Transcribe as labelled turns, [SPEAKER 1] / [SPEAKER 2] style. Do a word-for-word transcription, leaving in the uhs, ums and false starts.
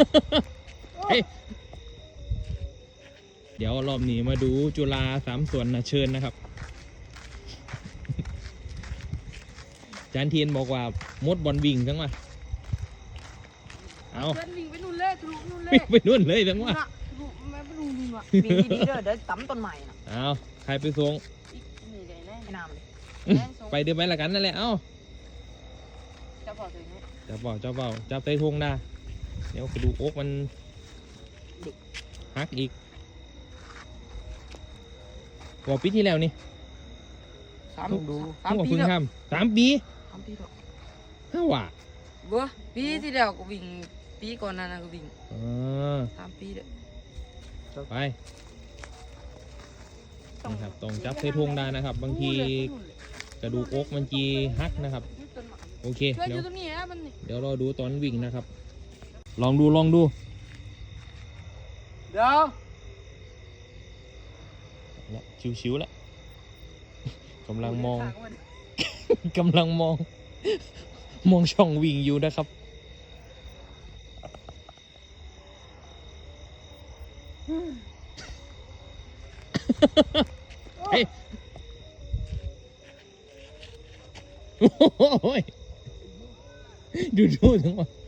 [SPEAKER 1] เฮ้ยเดี๋ยวรอบนี้มาดูจุฬาสามส่วนนะเชิญนะครับจานเทียนบอกว่ามดบอลวิ่งทั้งว่าเอา
[SPEAKER 2] วิ่งไปนู่นเลยทะลุนู่นเลย
[SPEAKER 1] วิ่งไปนู่นเลยทั้งว่า
[SPEAKER 2] ทะลุไม่ไปดูนี่ว่ะ
[SPEAKER 3] วิ่งดีๆเด้อเดี๋ยวตั้มต้นใหม่นะ
[SPEAKER 1] เอาใครไปส่ง
[SPEAKER 2] นี่ได้แน่
[SPEAKER 3] ไอ้น้ำเลย
[SPEAKER 1] ไปเดินไปละกันนั่นแหละเอ้า
[SPEAKER 2] จะพอถึงนี้
[SPEAKER 1] จับเบาจับเบาจับใต้ทงได้เดี๋ยวกระดูกอกมันหักอีกบอกปีที่แล้วนี่
[SPEAKER 2] สามดู
[SPEAKER 1] สามปีแล้วสามปี
[SPEAKER 2] สามปีแล้ว
[SPEAKER 1] ห้าว่ะ
[SPEAKER 2] บัวปีที่แล้วก็วิ่งปีก่อนนั้นก็วิ่ง
[SPEAKER 1] อ่า
[SPEAKER 2] สามปีเด้อ
[SPEAKER 1] ไปนะครับต้องจับใส่ทงได้นะครับ บางทีกระดูกอกมันจีหักนะครับโอเค
[SPEAKER 2] ช่วย
[SPEAKER 1] เดี๋
[SPEAKER 2] อ
[SPEAKER 1] ยว
[SPEAKER 2] ยู่ตรงนี้นะมัน
[SPEAKER 1] เดี๋ยวรอดูตอนวิ่งนะครับ ลองดูลองดู
[SPEAKER 2] เดี๋ยว
[SPEAKER 1] แล้วชิวๆแล้วกำลังมองกำลังมอง มองช่องวิ่งอยู่นะครับเฮ้ยโอ้ยดูดูทั้งหมด